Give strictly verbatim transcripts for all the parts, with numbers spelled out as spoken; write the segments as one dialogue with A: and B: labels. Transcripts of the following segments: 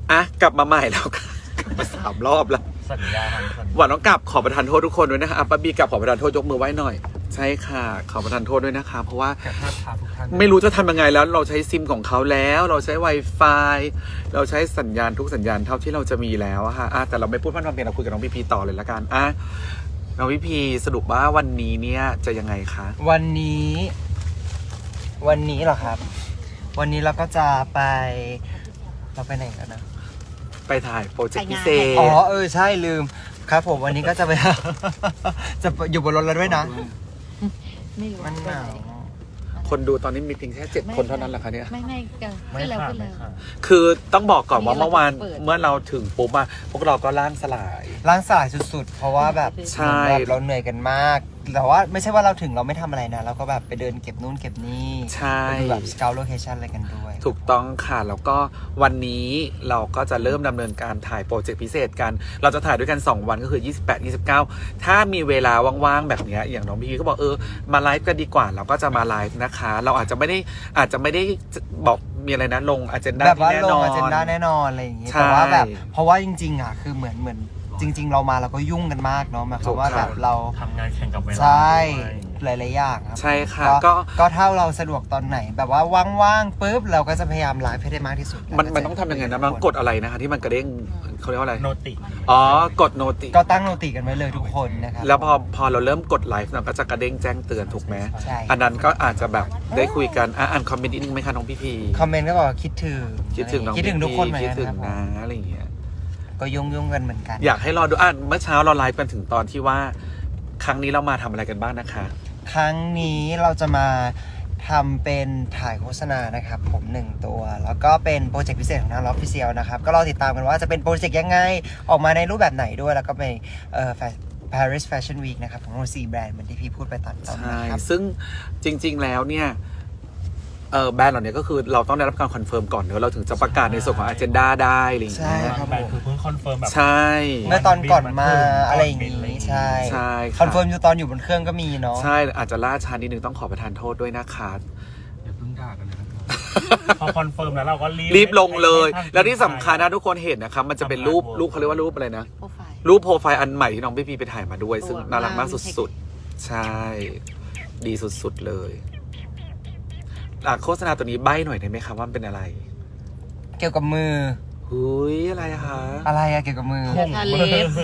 A: อ่ะกลับมาใหม่แล้วค่ะกลับมาสามรอบแล้ว
B: สัญญาสัญญา
A: หวานต้องกลับขอประทานโทษทุกคนด้วยนะคะอ่ะป้าบีกลับขอประทานโทษยกมือไหว้หน่อยใช่ค่ะขอประทานโทษด้วยนะคะเพราะว่าไม่รู้จะทำยังไงแล้วเราใช้ซิมของเขาแล้วเราใช้ Wi-Fi เราใช้สัญญาณทุกสัญญาณเท่าที่เราจะมีแล้วอะค่ะอ่ะแต่เราไม่พูดพร่ำทำเพลงเราคุยกับน้องพีพีต่อเลยละกันอ่ะน้องพีพีสรุปว่าวันนี้เนี่ยจะยังไงคะ
C: วันนี้วันนี้เหรอครับวันนี้เราก็จะไปเราไปไหนกันนะ
A: ไปถ่ายโปรเจกต์พิเศษ
C: อ๋อเออใช่ลืมครับผมวันนี้ก็จะไป จะอยู่บนรถแล้วด้วยนะ
D: ไม่รู้
C: มันหนาว
A: คนดูตอนนี้มีเพียงแค่เจ็ดคนเท่านั้นแหละคะเนี่ย
D: ไม่ไม่ก็ขึ้นแล้วขึ้นแล้ว
A: คือต้องบอกก่อนว่าเมื่อวานเมื่อเราถึงปุ๊บอะพวกเราก็ล่างสลาย
C: ล่างสลายสุดๆเพราะว่าแบบ
A: ใช่
C: เราเหนื่อยกันมากแต่ว่าไม่ใช่ว่าเราถึงเราไม่ทำอะไรนะเราก็แบบไปเดินเก็บนู่นเก็บนี่
A: ใช่
C: แบบสเกลโลเคชั่นอะไรกันด้วย
A: ถูกต้องค่ะแล้วก็วันนี้เราก็จะเริ่มดำเนินการถ่ายโปรเจกต์พิเศษกันเราจะถ่ายด้วยกันสองวันก็คือยี่สิบแปด ยี่สิบเก้าถ้ามีเวลาว่างๆแบบนี้อย่างน้องพี่ก็บอกเออมาไลฟ์กันดีกว่าเราก็จะมาไลฟ์นะคะเราอาจจะไม่ได้อาจจะไม่ได้บอกมีอะไรนะลงอเจนดา
C: ที่แน่นอนอเจนดาแน่นอนอะไรอย่างงี้แต่ว่าแบบเพราะว่าจริงๆอ่ะคือเหมือนเหมือนจริงๆเรามาเราก็ยุ่งกันมากเนาะหมายความว่าแบบเรา
B: ทำงานแข่งกับเวลา
C: ใช่หลายๆอย่างครับ
A: ใช่ค่ะ
C: ก็ก็ถ้าเราสะดวกตอนไหนแบบว่าว่างๆปุ๊บเราก็จะพยายามไลฟ์ให้ได้มากที่สุด
A: มันมันต้องทำยังไงนะมันกดอะไรนะคะที่มันกระเด้งเขาเรียกว่าอะไร
B: โนติ
A: อ๋อกดโนติ
C: ก็ตั้งโนติกันไว้เลยทุกคนนะครับ
A: แล้วพอพอเราเริ่มกดไลฟ์เราก็จะกระเด้งแจ้งเตือนถูกไหม
C: ใช่
A: อันนั้นก็อาจจะแบบได้คุยกันอ่านคอมเมนต์นิดนึงไหมคะน้องพี่พี
C: คอมเมนต์ก็บอกคิดถึง
A: คิดถึงน้อง
C: คิดถึงทุกคนเหมือน
A: คิด
C: กัน
A: ถึงนะอะไรอย่างเงี้ย
C: ก็ยุ่งยุ่งกันเหมือนกัน
A: อยากให้รอดูอ่านเมื่อเช้าเราไลฟ์กันถึงตอนที่ว่าครั้งนี้เรามาทำอะไรกันบ้างนะคะ
C: ครั้งนี้เราจะมาทำเป็นถ่ายโฆษณานะครับผมหนึ่งตัวแล้วก็เป็นโปรเจกต์พิเศษของทาง Official นะครับก็รอติดตามกันว่าจะเป็นโปรเจกต์ยังไงออกมาในรูปแบบไหนด้วยแล้วก็เป็นเอ่อ Paris Fashion Week นะครับของเราสี่แบรนด์เหมือนที่พี่พูดไปตอนต้นนะครับ
A: ซึ่งจริงๆแล้วเนี่ยเออแบรนด์เหล่านี้ก็คือเราต้องได้รับการคอนเฟิร์มก่อนเนอะเราถึงจะประกาศในส่วนของ agenda ได้อะไรอย่างเงี้ย
C: ใช่ครับ
B: แบรนด์คือเพิ่งคอนเฟิร์มแบบ
A: ใช่
C: เมื่อตอนก่อนมาอะไรอย่างงี้ใช่
A: ใช่
C: คอนเฟิร์มอยู่ตอนอยู่บนเครื่องก็มีเนาะ
A: ใช่อาจจะล่าช้านิดนึงต้องขอประทานโทษด้วยนะคะ
B: อย่าเพิ่งด่ากันนะครับพอคอนเฟิร์มแล้วเราก็รีบ
A: รีบลงเลยแล้วที่สำคัญนะทุกคนเห็นนะครับมันจะเป็นรูปรูปเขาเรียกว่ารูปอะไรนะรูปโปรไฟล์อันใหม่ที่น้องพี่พีไปถ่ายมาด้วยซึ่งน่ารักมากสุดๆใช่ดีสุดๆเลยโฆษณาตัวนี้ใบ้หน่อยได้ไหมครับว่ามันเป็นอะไร
C: เกี่ยวกับมือ
A: หุยอะไรคะ
C: อะไรอะเกี่ยวกับมือ
D: ทาเล็บ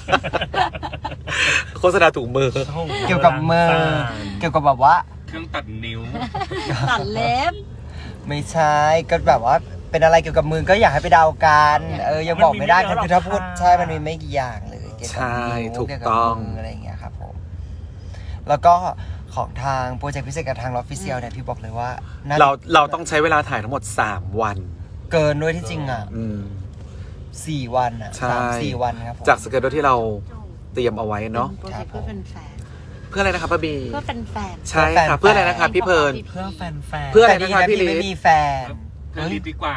A: โฆษณาถุงมือ
C: เกี่ยวกับมือเกี่ยวกับแบบว่า
B: เครื่องตัดนิ้ว
D: ตัดเล็บ
C: ไม่ใช่ก็แบบว่าเป็นอะไรเกี่ยวกับมือก็อยากให้ไปเดากันเออยังบอกไม่ได้คือถ้าพูดใช่มันมีไม่กี่อย่างเลยเกี่ยวกับนิ้วเกี่ยวกับมืออะไรอย่างเงี้ยครับผมแล้วก็ของทางโปรเจกต์พิเศษกับทาง Official เนี่ยพี่บอกเลยว่า
A: เราเราต้องใช้เวลาถ่ายทั้งหมดสามวัน
C: เกินด้วยที่จริงอ่ะสี่วันอ่ะสามสี่วันครับ
A: จากสเกจที่เราเตรียมเอาไว้เนาะ
D: เพื่อแฟน
A: เพื่ออะไรนะครับป้าบี
D: เพื่อแฟนแฟน
A: ใช่ค่ะเพื่ออะไรนะครับพี่เพิร์น
B: เพื่อแฟนแฟน
A: เพื่ออะไรนะครับพี่ลิ
C: ไม่มีแฟน
B: เพื่อลิดีกว่า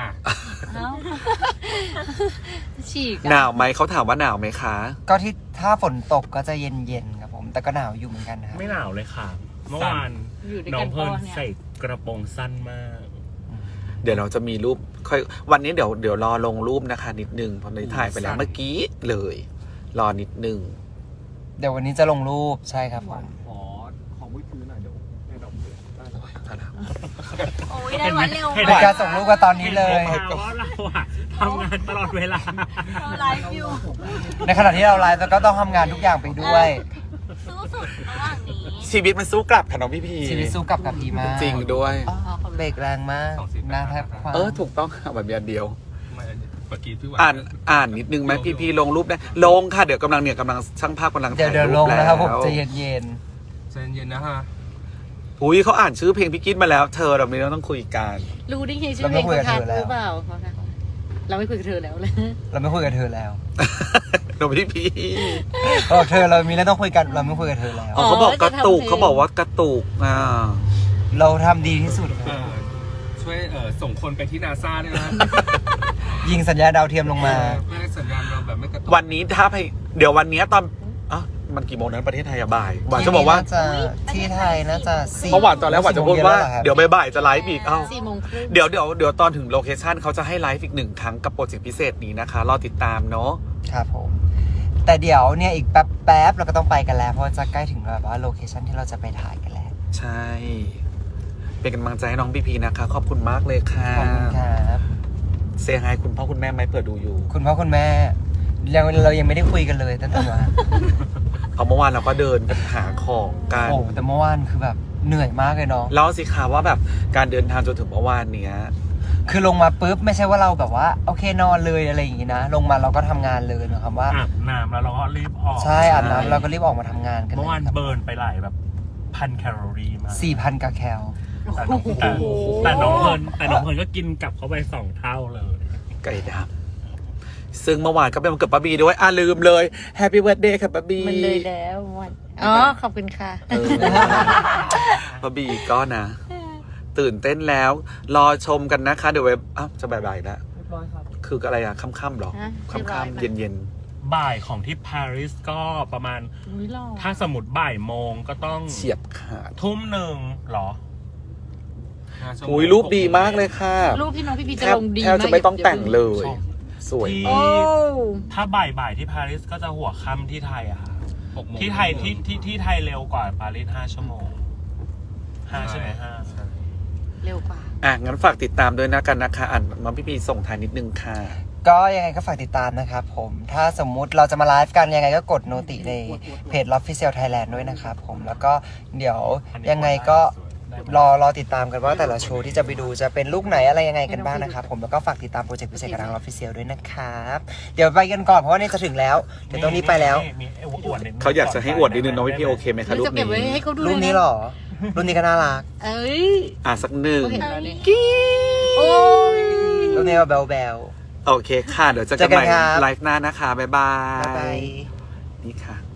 D: ฉีก
A: หนาวไหมเขาถามว่าหนาวไหมคะ
C: ก็ที่ถ้าฝนตกก็จะเย็นๆครับผมแต่ก็หนาวอยู่เหมือนกันนะครับ
B: ไม่หนาวเลยค่ะเมื่อวานน้องเพิร์นใส่กระโปรงสั้นมาก
A: เดี๋ยวเราจะมีรูปค่อยวันนี้เดี๋ยวเดี๋ยวรอลงรูปนะคะนิดนึงเพราะในถ่ายไปแล้วเมื่อกี้เลยรอนิดนึง
C: เดี๋ยววันนี้จะลงรูปใช่ครับผม
B: ขอของมือถือหน่อยเดี๋ยวให้ดอกเบี้ย
D: โอ้ยได้วันเร็ว
C: ในการส่งรูปกันตอนนี้เลย
B: เพราะเราอะทำงานตลอดเวลา
D: เราไลฟ์อยู่
C: ในขณะที่เราไลฟ์ก็ต้องทำงานทุกอย่างไปด้วย
D: สู้สุดระหว่างนี้
A: ชีวิตมันสู้กลับค่ะน้องพี่พี
C: ชีวิตสู้กลับกับพีมาก
A: จริงด้วย
C: เบรกแรงมากน่าแทบคว้า
A: เออถูกต้องค่ะแบบเดียว
B: เมื่อกี้พี่ว่า
A: อ่านอ่านนิดนึงไหมพี่พีลงรูปได้ลงค่ะเดี๋ยวกำลังเนี่ยกำลังช่างภาพกำลัง
C: ถ่ายรูปแล้วเดี๋ยวลงนะครับผมใจเย็นเย็น
B: ใจเย็นนะฮะ
A: อุ้ยเขาอ่านชื่อเพลงพี่กิ๊ดมาแล้วเธอเราไม่ต้องคุยกัน
D: รู้ได้ไงชื่อเพลงเขาทักหรือเปล่าเราไม่คุยกับเธอแล้วเลย
C: เราไม่คุยกับเธอแล้ว
A: เราพี่พี
C: โอ้เธอเรามีแล้วต้องคุยกันเราไม่คุยกับเธอแล้ว
A: เขาบอกกระตุกเขาบอกว่ากระตุกอ่า
C: เราทำดีที่สุด
B: ช่วยส่งคนไปที่นาซาด้วยนะ
C: ยิงสัญญาณดาวเทียมลงมา
B: ไม่ได้สัญญาณเราแบบไม่กระตุก
A: วันนี้ถ้าไปเดี๋ยววันนี้ตอนอ๋อมันกี่โมงนั้นประเทศไทยอะบ่ายหวานจะบอกว่า
C: ที่นี่น่จะที่ไทยน่าจะสี่
A: เมื่อวานตอนแรกหวานจะพูดว่า
C: สี่โมงนแล้หรอครับ
A: เดี๋ยวบ่ายๆจะไลฟ์อีกเอ้า
D: สี่โมงครึ่ง
A: เดี๋ยวเดี๋ยวเดี๋ยวตอนถึงโลเคชันเขาจะให้ไลฟ์อีกหนึ่งครั้งกับโปรเจกต์พิเศษนี้นะคะรอติดตามเนาะ
C: ครับผมแต่เดี๋ยวเนี่ยอีกแป๊บแป๊บๆเราก็ต้องไปกันแล้วเพราะจะใกล้ถึงแบบว่าโลเคชั่นที่เราจะไปถ่ายกันแล้ว
A: ใช่ เป็นกำลังใจให้น้องพีพีนะคะ ขอบคุณมากเลยค่ะ
C: ขอบคุณครับ
A: เซฮายคุณพ่อคุณแม่ไหมเผื่อดูอยู่
C: คุณพ่อคุณแม่ยังเรายังไม่ได้คุยกันเลยตั้งแต่วัน
A: เอาเมื่อวานเราก็เดินกันหาของกัน
C: โอ้แต่เมื่อวานคือแบบเหนื่อยมากเลยเนาะ
A: เล่าสิคะว่าแบบการเดินทางจนถึงเมื่อวานเนี้ย
C: คือลงมาปุ๊บไม่ใช่ว่าเราแบบว่าโอเคนอนเลยอะไรอย่างงี้นะลงมาเราก็ทำงานเลยนะครับว่า
B: อาบน้ำแล้วเราก็รีบออก
C: ใช่อาบน้ำเราก็รีบออกมาทำงานกัน
B: เมื่อวาน
C: ครับ
B: เบิร์นไปหลายแบบพันแคลอรี่มา
C: สี่พันกะแคล
B: แต่น้องแต่แต่น้องเพลินแต่น้องเพลินก็กินกลับเข้าไปสองเท่าเลย
A: ไก่ดำซึ่งเมื่อวานก็เป็นวันเกิดป้าบีด้วยอ่ะลืมเลยแฮปปี้เบิร์ดเดย์ค่ะป้าบี
D: มันเลยแล้ววันอ๋อขอบคุณค่ะ
A: เออป้าบีก็นะ ตื่นเต้นแล้ว รอชมกันนะคะ เดี๋ยวเว็บอ้าวจะบ่ายๆแล้วคืออะไรอะค่ำๆหรอ
D: ฮะชื่อร้อย
A: ค่ำ
D: ไหม
A: ๆเย็น
B: บ่ายของที่ปารีสก็ประมาณ
D: อุ๊ยหล่อ
B: ถ้าสมมติบ่ายโมงก็ต้อง
A: ๆเฉียบขาด
B: ทุ่มหนึ่งเหรอ
A: อุ้ยรูปดีมากเลยค่ะ
D: รูปที่น้องพี่พี
A: แท
D: จะ
A: บ
D: ลงดี
A: แทบจะไม่ต้องแต่งเลย สวย
B: ที่
D: โอ้
B: ถ้าบ่ายบ่ายๆที่ปารีสก็จะหัวค่ำที่ไทยอะค่ะที่ไทยที่ที่ที่ไทยเร็วกว่าปารีสห้าชั่วโมงห้าใช่ไหมห้า
D: เร็วกว่า
A: อ่ะ งั้นฝากติดตามด้วยนะกันนะคะ อ่านมาพี่พีส่งท้ายนิดนึงค่ะ
C: ก็ยังไงก็ฝากติดตามนะครับผมถ้าสมมุติเราจะมาไลฟ์กันยังไงก็กดโนติในเพจ Lofficial Thailand ด้วยนะครับผมแล้วก็เดี๋ยวยังไงก็รอรอติดตามกันว่าแต่ละโชว์ที่จะไปดูจะเป็นลูกไหนอะไรยังไงกันบ้างนะครับผมแล้วก็ฝากติดตามโปรเจกต์พิเศษกับทาง Lofficial ด้วยนะครับเดี๋ยวไปกันก่อนเพราะว่านี่จะถึงแล้วเดี๋ยวตรงนี้ไปแล้ว
B: มีไอ้อวดนิดนึง
A: เขาอยากจะให้อวดนิดนึงน้องพี่พีโอเคไหมคะรูป
D: จะเก็บไว้
A: นี้
D: ให้เขาดู
C: รูปนี้เหรอรูปนี้ก็น่ารัก
D: เอ้ย
A: อ่ะ สักหนึ่ง
D: เขาเห็นแล้วเนี่ย
A: กิ๊
D: โอ้ย
C: รูปนี้ว่าแบลแบล
A: โอเคค่ะ เดี๋ยวเจะ
C: เจ
A: กั
C: อน กัน
A: ใหม่
C: ครับ
A: ไลฟ์หน้านะคะ บ๊ายบา
C: บ๊ายบาย
A: ย นี่ค่ะ